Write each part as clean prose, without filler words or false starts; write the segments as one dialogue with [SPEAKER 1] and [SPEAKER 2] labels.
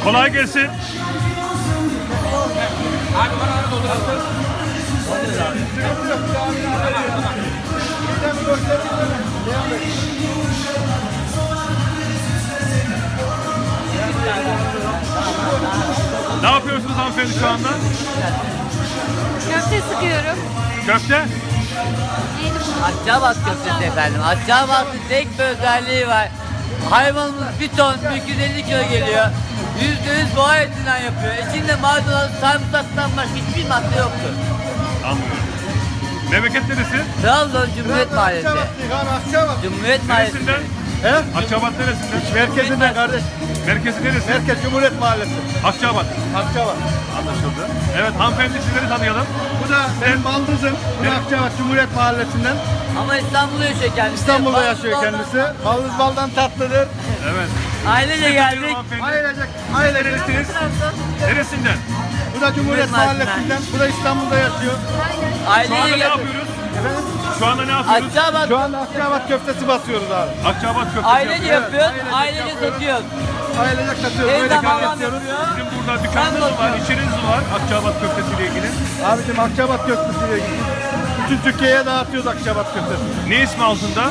[SPEAKER 1] Kolay gelsin. Ne yapıyorsunuz hanımefendi şu anda?
[SPEAKER 2] Köfte sıkıyorum.
[SPEAKER 1] Köfte?
[SPEAKER 2] Yeni bunu.
[SPEAKER 3] Akçabat köftesi efendim. Akçabat'ın tek bir özelliği var. Hayvanımız bir ton, 250 kilo geliyor. %100 boğa etinden yapıyor. İçinde maydanoz, sarımsaktan başka hiçbir madde yoktur.
[SPEAKER 1] Anlıyorum. Memleket neresi?
[SPEAKER 3] Trabzon Cumhuriyet Mahallesi. Cumhuriyet Mahallesi.
[SPEAKER 1] Neresinden?
[SPEAKER 4] He?
[SPEAKER 1] Akçabat neresinden?
[SPEAKER 4] Merkezinden kardeş.
[SPEAKER 1] Merkezi neresi?
[SPEAKER 4] Merkez Cumhuriyet Mahallesi.
[SPEAKER 1] Akçabat.
[SPEAKER 4] Akçabat.
[SPEAKER 1] Anlaşıldı. Evet hanımefendi sizleri tanıyalım.
[SPEAKER 4] Bu da benim baldızım. Bu da Akçabat Cumhuriyet Mahallesi'nden.
[SPEAKER 3] Ama İstanbul'da yaşıyor kendisi.
[SPEAKER 4] İstanbul'da
[SPEAKER 3] Baldız
[SPEAKER 4] yaşıyor
[SPEAKER 3] baldan-
[SPEAKER 4] kendisi. Baldız baldan tatlıdır.
[SPEAKER 1] Evet.
[SPEAKER 3] Ailece geldik.
[SPEAKER 4] Ailecek. Ailecek.
[SPEAKER 1] Neresiniz? Neresinden?
[SPEAKER 4] Bu da Cumhuriyet
[SPEAKER 3] Mahallesi'nden.
[SPEAKER 4] Mahallesi'nden. Bu da İstanbul'da yaşıyor.
[SPEAKER 1] Şu anda
[SPEAKER 3] Ailece
[SPEAKER 1] ne
[SPEAKER 3] geldik.
[SPEAKER 1] yapıyoruz?
[SPEAKER 4] Efendim?
[SPEAKER 1] Şu anda ne yapıyoruz?
[SPEAKER 3] Akçabat
[SPEAKER 4] Şu anda Akçabat köftesi basıyoruz abi.
[SPEAKER 1] Akçabat köftesi
[SPEAKER 3] ailece
[SPEAKER 1] yapıyoruz.
[SPEAKER 3] yapıyoruz.
[SPEAKER 4] ailecek
[SPEAKER 3] Ailece
[SPEAKER 4] yapıyoruz.
[SPEAKER 3] satıyoruz.
[SPEAKER 4] Ailecek satıyoruz.
[SPEAKER 3] Evde
[SPEAKER 4] Böyle
[SPEAKER 3] babam
[SPEAKER 4] yapıyoruz.
[SPEAKER 3] yapıyor.
[SPEAKER 1] Sizin burada dükkanınız var, içiniz var Akçabat köftesiyle ilgili.
[SPEAKER 4] Abicim Akçabat köftesiyle ilgili. Bütün Türkiye'ye dağıtıyoruz Akçabat köftesi.
[SPEAKER 1] Ne ismi altında?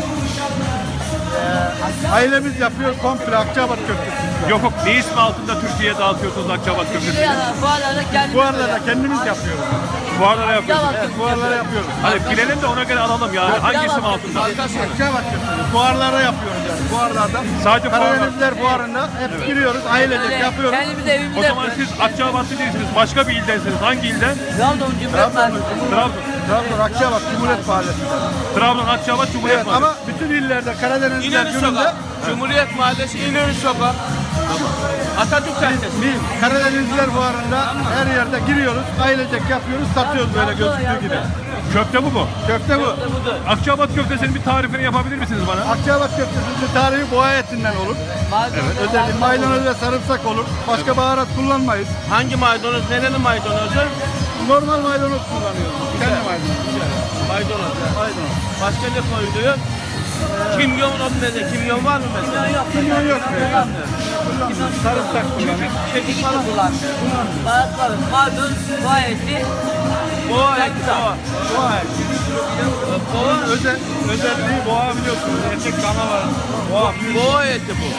[SPEAKER 4] Ailemiz yapıyor komple Akçabat köftesi.
[SPEAKER 1] Yok yok, ne ismi altında Türkiye'ye dağıtıyorsunuz Akçabat köftesini?
[SPEAKER 3] Bu arada kendimiz
[SPEAKER 4] Bu arada da kendimiz yapıyoruz.
[SPEAKER 1] Fuarlara yapıyorsunuz.
[SPEAKER 3] Akçabat
[SPEAKER 4] Evet, fuarlara yapıyoruz.
[SPEAKER 1] Hadi bilelim de ona göre alalım ya. Hangi isim altında?
[SPEAKER 4] Akçabat köftesi. Fuarlara yapıyoruz yani. Fuarlarda.
[SPEAKER 1] Sadece fuarlar.
[SPEAKER 4] Karadenizler fuarında hep giriyoruz. Ailecek yapıyoruz.
[SPEAKER 3] Kendimiz evimizde
[SPEAKER 1] O zaman
[SPEAKER 3] yapıyoruz.
[SPEAKER 1] siz Akçabatlı değilsiniz. Başka bir ildensiniz. Hangi ilden?
[SPEAKER 3] Trabzon Cumhuriyet Mahallesi.
[SPEAKER 1] Trabzon.
[SPEAKER 4] Trabzon Akçabat Cumhuriyet Mahallesi'nde.
[SPEAKER 1] Trabzon, Akçabat, Cumhuriyet
[SPEAKER 4] Evet
[SPEAKER 1] Mahallesi.
[SPEAKER 4] ama bütün illerde Karadenizler
[SPEAKER 5] İnönü
[SPEAKER 4] gününde
[SPEAKER 5] Sokak, Cumhuriyet Mahallesi, İnönü Sokak, Atatürk Caddesi.
[SPEAKER 4] biz Karadenizler fuarında her yerde giriyoruz. Ailecek yapıyoruz. Satıyoruz böyle gözüktüğü gibi.
[SPEAKER 1] Köfte bu mu?
[SPEAKER 4] Köfte bu.
[SPEAKER 1] Akçabat köftesinin bir tarifini yapabilir misiniz bana?
[SPEAKER 4] Akçabat köftesinin tarihi boğa etinden olur.
[SPEAKER 3] Evet.
[SPEAKER 4] Özellikle maydanoz ve sarımsak olur. Başka baharat kullanmayız.
[SPEAKER 5] Hangi maydanoz, nerenin maydanozu?
[SPEAKER 4] Normal maydanoz kullanıyoruz. Kendi maydanoz.
[SPEAKER 5] Maydanoz.
[SPEAKER 4] Maydanoz.
[SPEAKER 5] Başka ne koyuluyor? Kimyon olmadı, kimyon var mı mesela?
[SPEAKER 4] Kimyon yok. Sarımsak kullanıyoruz.
[SPEAKER 3] Kekik falan kullanmıyor. Baharatları, maydanoz, boğa eti,
[SPEAKER 5] Boğa eti,
[SPEAKER 3] sarımsak.
[SPEAKER 5] boğa.
[SPEAKER 4] Boğa eti. Boğa özelliği boğa biliyorsunuz. Erkek canavar. Boğa.
[SPEAKER 5] Boğa eti bu.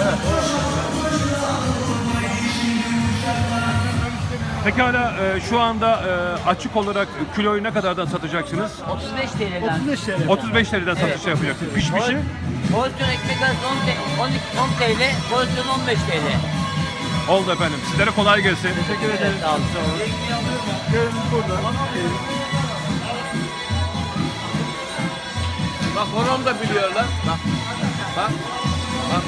[SPEAKER 1] Pekala şu anda açık olarak kiloyu ne kadardan satacaksınız?
[SPEAKER 3] 35 TL'den.
[SPEAKER 4] 35 TL.
[SPEAKER 1] 35 TL'den satış yapacaksınız. Pişmişi?
[SPEAKER 3] Porsiyon ekmek arası 10 TL, porsiyon 15 TL.
[SPEAKER 1] Oldu efendim. Sizlere kolay gelsin.
[SPEAKER 4] Teşekkür ederim.
[SPEAKER 3] Sağ olun.
[SPEAKER 4] Köyümüz burada.
[SPEAKER 5] Bak onu da biliyorlar. Bak. Bak. Bak.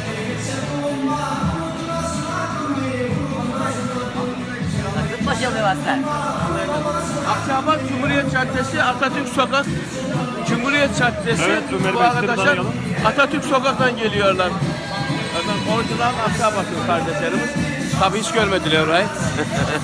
[SPEAKER 3] Nasıl başarılı var sen?
[SPEAKER 5] Akçabat Cumhuriyet Caddesi, Atatürk Sokak, Cumhuriyet Caddesi.
[SPEAKER 1] Evet, Ömer
[SPEAKER 5] Bu
[SPEAKER 1] Bey,
[SPEAKER 5] arkadaşlar
[SPEAKER 1] sizi tanıyalım.
[SPEAKER 5] Atatürk Sokak'tan geliyorlar. Orijinal Akçabatlı kardeşlerimiz. Tabii hiç görmediler orayı.